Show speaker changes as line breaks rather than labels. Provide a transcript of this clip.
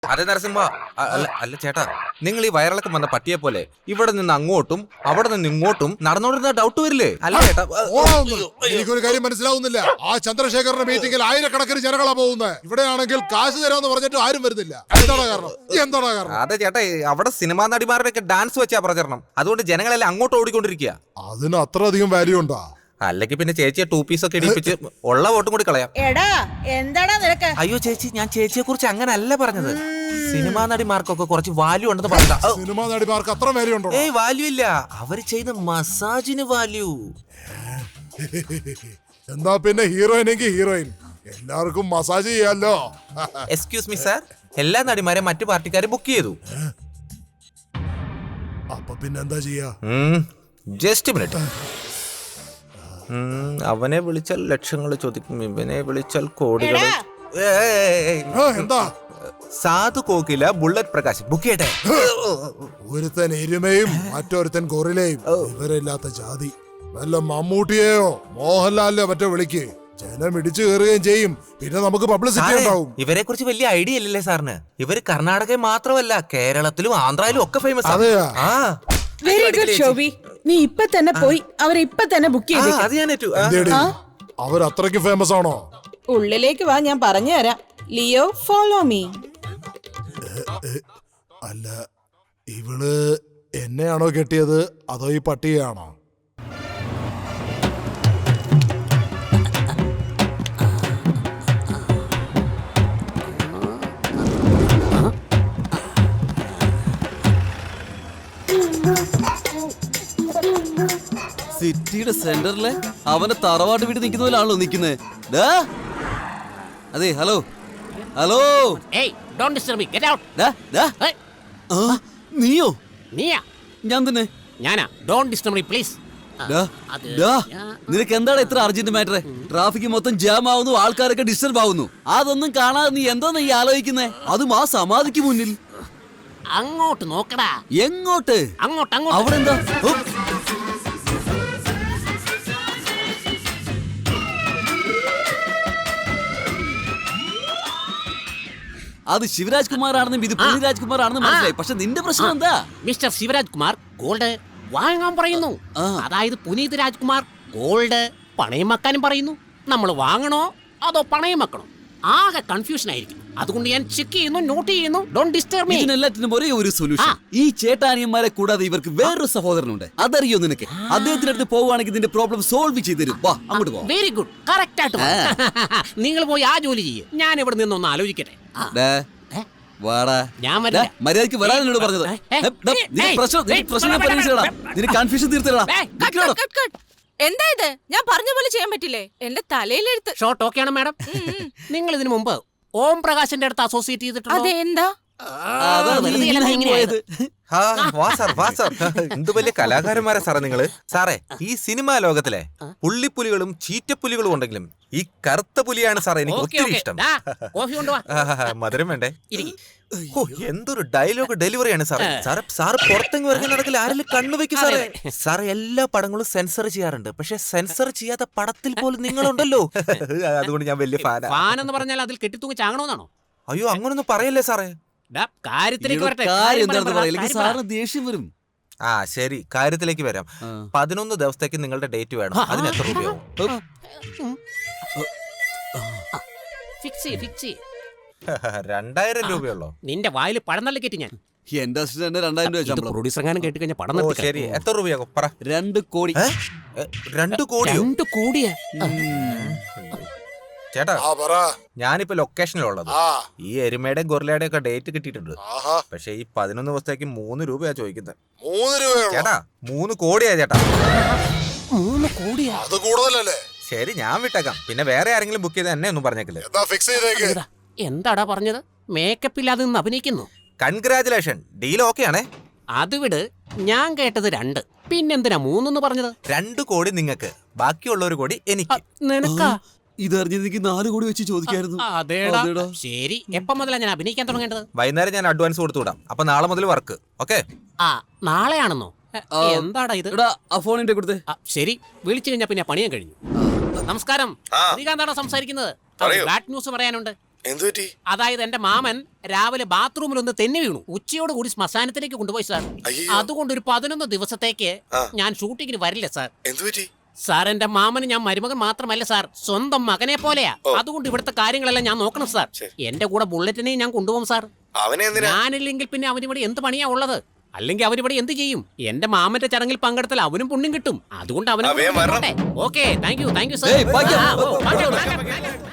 അതെ നരസിംഹ, അല്ല ചേട്ടാ, നിങ്ങൾ ഈ വയറിളക്കം വന്ന പട്ടിയെ പോലെ ഇവിടെ നിന്ന് അങ്ങോട്ടും അവിടെ നിന്ന് ഇങ്ങോട്ടും നടന്നോണ്ടിരുന്ന ഡൗട്ട് വരില്ലേ? അല്ല ചേട്ടാ,
എനിക്കൊരു കാര്യം മനസ്സിലാവുന്നില്ല. ആ ചന്ദ്രശേഖരന്റെ മീറ്റിംഗിൽ ആയിരക്കണക്കിന് ജനങ്ങളാ പോകുന്നത്. ഇവിടെയാണെങ്കിൽ കാശ് തരാമെന്ന് പറഞ്ഞിട്ട് ആരും വരുന്നില്ല. എന്താണ് കാരണം?
അതെ ചേട്ടാ, അവിടെ സിനിമാ നടിമാരുടെ ഒക്കെ ഡാൻസ് വെച്ചാ പ്രചരണം. അതുകൊണ്ട് ജനങ്ങളെല്ലാം അങ്ങോട്ട് ഓടിക്കൊണ്ടിരിക്കുക.
അതിന് അത്രയധികം വാല്യൂ ഉണ്ടോ?
അല്ലെങ്കിൽ പിന്നെ ചേച്ചിയെ 2 പീസ് ഒക്കെ ഇടിപ്പിച്ച് ഉള്ള വോട്ടും കൂടി കളയാം.
എടാ എന്താടാ നിനക്ക്?
അയ്യോ ചേച്ചി, ഞാൻ ചേച്ചിയെ കുറിച്ച് അങ്ങനെ അല്ല പറഞ്ഞത്. സിനിമാ നടിമാർക്കൊക്കെ കുറച്ച് വാല്യൂ ഉണ്ടെന്ന് പറഞ്ഞ.
സിനിമാ നടിമാർക്ക് അത്ര വാല്യൂ ഉണ്ടോ?
ഏയ് വാല്യൂ ഇല്ല, അവര് ചെയ്യുന്ന മസാജിന് വാല്യൂ.
എന്താ പിന്നെ ഹീറോയിനെങ്കിൽ ഹീറോയിൻ, എല്ലാവർക്കും മസാജ് ചെയ്യാലോ.
എക്സ്ക്യൂസ് മീ സാർ, എല്ലാ നടിമാരെ മറ്റു പാർട്ടിക്കാരെ ബുക്ക് ചെയ്തു.
അപ്പൊ പിന്നെ എന്താ ചെയ്യാ?
Just minute. അവനെ വിളിച്ചാൽ ലക്ഷങ്ങൾ ചോദിക്കും, ഇവനെ വിളിച്ചാൽ കോടികൾ.
എന്താ?
സാധു കോകില ബുള്ളറ്റ് പ്രകാശ് ബുക്ക് ചെയ്യട്ടെ.
ഒരുത്തൻ എരുമയും മറ്റൊരുത്തൻ ഗൊറിലയും, ഇവരില്ലാത്ത ജാതി. വല്ല മമ്മൂട്ടിയെയോ മോഹൻലാലിനെയോ മറ്റോ വിളിക്ക്, ജനം ഇടിച്ചു കയറുകയും ചെയ്യും. പിന്നെ നമുക്ക് പബ്ലിസിറ്റി ഉണ്ടാവും.
ഇവരെ കുറിച്ച് വലിയ ഐഡിയ ഇല്ലല്ലേ സാറിന്? ഇവര് കർണാടകയിൽ മാത്രമല്ല, കേരളത്തിലും ആന്ധ്രയിലും ഒക്കെ ഫേമസ്.
അതെയാ?
വെരി ഗുഡ് ഷോബി, നീ ഇപ്പൊ തന്നെ പോയി അവരെ ഇപ്പൊ തന്നെ ബുക്ക് ചെയ്തേക്ക്.
അവർ അത്രയ്ക്ക് ഫേമസ് ആണോ?
ഉള്ളിലേക്ക് വാ, ഞാൻ പറഞ്ഞു തരാം. Leo, follow me.
അല്ല, ഇവള് എന്നെയാണോ കെട്ടിയത് അതോ ഈ പട്ടിയാണോ?
സിറ്റിയുടെ സെന്ററിലെ അവനെ തറവാട്ട് വീട്ടിൽ നിൽക്കുന്ന പോലാണല്ലോ നിൽക്കുന്നത്. അതെ, ഹലോ ഹലോ. നീയോ? ഞാൻ തന്നെ. നിനക്ക് എന്താണ് ഇത്ര അർജന്റ് മാറ്റർ? ട്രാഫിക് മൊത്തം ജാം ആവുന്നു, ആൾക്കാരൊക്കെ ഡിസ്റ്റർബ് ആവുന്നു. അതൊന്നും കാണാതെ നീ എന്താ നീ ആലോചിക്കുന്നേ? അതും ആ സമാധിക്ക് മുന്നിൽ.
അങ്ങോട്ട് നോക്കടാ.
എങ്ങോട്ട്?
അങ്ങോട്ട്.
അവിടെ എന്താ? അത് ശിവരാജ് കുമാർ ആണെന്നും ഇത് പൃഥ്വിരാജ് കുമാർ ആണെന്നും മനസ്സിലായി. പക്ഷെ നിന്റെ പ്രശ്നം എന്താ?
മിസ്റ്റർ ശിവരാജ് കുമാർ ഗോൾഡ് വാങ്ങാൻ പറയുന്നു. അതായത് പുനീത് രാജ്കുമാർ ഗോൾഡ് പണയം വെക്കാനും പറയുന്നു. നമ്മൾ വാങ്ങണോ അതോ പണയം വെക്കണോ? ആകെ കൺഫ്യൂഷൻ ആയിരിക്കും. അതുകൊണ്ട് ഞാൻ ചെക്ക് ചെയ്യുന്നു, നോട്ട് ചെയ്യുന്നു. Don't disturb me.
ഇതിനെല്ലാത്തിനും ഒരേ ഒരു സൊല്യൂഷൻ. ഈ ചേട്ടാനിയന്മാരെ കൂടാതെ ഇവർക്ക് വേറൊരു സഹോദരനുണ്ട്. അതറിയോ നിനക്ക്? അദ്ദേഹത്തിന്റെ അടുത്ത് പോവുകയാണെങ്കിൽ ഇതിന്റെ പ്രോബ്ലം സോൾവ് ചെയ്ത് തരും. വാ, അങ്ങോട്ട് പോ.
വെരി ഗുഡ്, കറക്റ്റ് ആയിട്ട്. നിങ്ങൾ പോയി ആ ജോലി ചെയ്യും. ഞാൻ ഇവിടെ നിന്നൊന്ന് ആലോചിക്കട്ടെ.
ഞാൻ മര്യാദക്ക് വരാനോട് പറഞ്ഞത്. കൺഫ്യൂഷൻ തീർത്തടാ.
എന്താ ഇത്? ഞാൻ പറഞ്ഞ പോലെ ചെയ്യാൻ പറ്റില്ലേ? എന്റെ തലയിലെടുത്ത്.
ഷോർട്ട് ഓക്കെ ആണ് മാഡം. നിങ്ങൾ ഇതിനു മുമ്പ് ഓം പ്രകാശിന്റെ അടുത്ത് അസോസിയേറ്റ് ചെയ്തിട്ടുണ്ടോ?
അതെ, എന്താ?
എന്ത് വലിയ കലാകാരന്മാരാ സാറേ നിങ്ങള്. സാറേ, ഈ സിനിമാ ലോകത്തിലെ പുള്ളിപ്പുലികളും ചീറ്റപ്പുലികളും ഉണ്ടെങ്കിലും ഈ കറുത്ത പുലിയാണ് സാറേ എനിക്ക് ഒത്തിരി ഇഷ്ടം. മധുരം വേണ്ടേ? എന്തൊരു ഡയലോഗ് ഡെലിവറിയാണ് സാറേ. സാറ് പുറത്തെങ്ങ് വരുന്ന നടക്കില്ല, ആരെങ്കിലും കണ്ണുവെക്കും സാറേ. സാറേ, എല്ലാ പടങ്ങളും സെൻസർ ചെയ്യാറുണ്ട്, പക്ഷെ സെൻസർ ചെയ്യാത്ത പടത്തിൽ പോലും നിങ്ങളുണ്ടല്ലോ. അതുകൊണ്ട് ഞാൻ വലിയ
ഫാനെന്ന് പറഞ്ഞാൽ അതിൽ കെട്ടിത്തൂങ്ങി ചാങ്ങണമെന്നാണോ?
അയ്യോ, അങ്ങനൊന്നും പറയല്ലേ സാറേ.
ദേഷ്യം വരും.
ആ ശരി, കാര്യത്തിലേക്ക് വരാം. 11 ദിവസത്തേക്ക് നിങ്ങളുടെ ഡേറ്റ് വേണം. അതിന് എത്ര രൂപയാവും? 2000 രൂപയുള്ളോ?
നിന്റെ വായിൽ പഴം നല്ല കെട്ടി ഞാൻ.
എന്റെ അസിസ്റ്റന്റ് 2000 രൂപ ശമ്പളം.
പ്രൊഡ്യൂസർ എങ്ങാനും കേട്ട് കഴിഞ്ഞാൽ പടം.
ശരി, എത്ര രൂപയാകും പറ?
2 കോടി.
2 കോടിയോ?
2 കോടിയാ?
ചേട്ടാ, ഞാനിപ്പോ ലൊക്കേഷനിലുള്ളത്. ഈ എരുമയുടെ ഗൊറിലയുടെ ഒക്കെ ഡേറ്റ് കിട്ടിയിട്ടുണ്ട്. പക്ഷെ ഈ 11 ദിവസത്തേക്ക് 3 രൂപയാ ചോദിക്കുന്നത്.
3 രൂപയോ?
ചേട്ടാ, 3 കോടിയാ ചേട്ടാ.
3 കോടിയാ?
അത് കൂടുതലല്ലേ?
ശരി, ഞാൻ വിട്ടേക്കാം. പിന്നെ വേറെ ആരെങ്കിലും ബുക്ക് ചെയ്ത് എന്നെ ഒന്നും പറഞ്ഞേക്കില്ലേ?
എന്താടാ പറഞ്ഞത്? മേക്കപ്പ് ഇല്ലാതെ നിന്ന് അഭിനയിക്കുന്നു.
കൺഗ്രാചുലേഷൻ, ഡീൽ ഓക്കെ ആണേ.
അത് വിട്, ഞാൻ കേട്ടത് 2. പിന്നെന്തിനാ 3 പറഞ്ഞത്?
2 കോടി നിങ്ങൾക്ക്, ബാക്കിയുള്ള 1 കോടി എനിക്ക്.
നിനക്കാ?
ഇതറിഞ്ഞെനിക്ക് 4 കോടി വെച്ച് ചോദിക്കായിരുന്നു.
അതേടാ. ശരി, എപ്പം മുതലാ ഞാൻ അഭിനയിക്കാൻ തുടങ്ങേണ്ടത്?
വൈകുന്നേരം ഞാൻ അഡ്വാൻസ് കൊടുത്തു വിടാം. അപ്പൊ നാളെ മുതൽ വർക്ക്. ഓക്കെ?
നാളെയാണെന്നോ? എന്താടാ ഇത്?
ഫോണിന്റെ കൊടുത്തേ.
ശരി, വിളിച്ചു കഴിഞ്ഞാ പിന്നെ പണിയാൻ കഴിഞ്ഞു. നമസ്കാരം, ശ്രീകാന്താണോ സംസാരിക്കുന്നത്? ബാഡ് ന്യൂസ് പറയാനുണ്ട്.
എന്തുപറ്റി?
അതായത് എന്റെ മാമൻ രാവിലെ ബാത്റൂമിൽ ഒന്ന് തെന്നി വീണു. ഉച്ചയോട് കൂടി ശ്മശാനത്തിലേക്ക് കൊണ്ടുപോയി സാർ.
അയ്യോ.
അതുകൊണ്ട് ഒരു 11 ദിവസത്തേക്ക് ഞാൻ ഷൂട്ടിങ്ങിന് വരില്ല സാർ.
എന്തുപറ്റി?
സാർ എന്റെ മാമന് ഞാൻ മരുമകൻ മാത്രമല്ല സാർ, സ്വന്തം മകനെ പോലെയാ. അതുകൊണ്ട് ഇവിടുത്തെ കാര്യങ്ങളെല്ലാം ഞാൻ നോക്കണം സാർ. എന്റെ കൂടെ ബുള്ളറ്റിനെയും ഞാൻ കൊണ്ടുപോകും സാർ.
അവനെ എന്തിനാ?
ഞാനില്ലെങ്കിൽ പിന്നെ അവനിവിടെ എന്ത് പണിയാ ഉള്ളത്? അല്ലെങ്കിൽ അവനിവിടെ എന്ത് ചെയ്യും? എന്റെ മാമന്റെ ചടങ്ങിൽ പങ്കെടുത്താൽ അവനും പുണ്യം കിട്ടും. അതുകൊണ്ട്
അവൻ വരണം.
ഓക്കെ, താങ്ക് യു
ഏയ്, ഭാഗ്യം.
സാർ.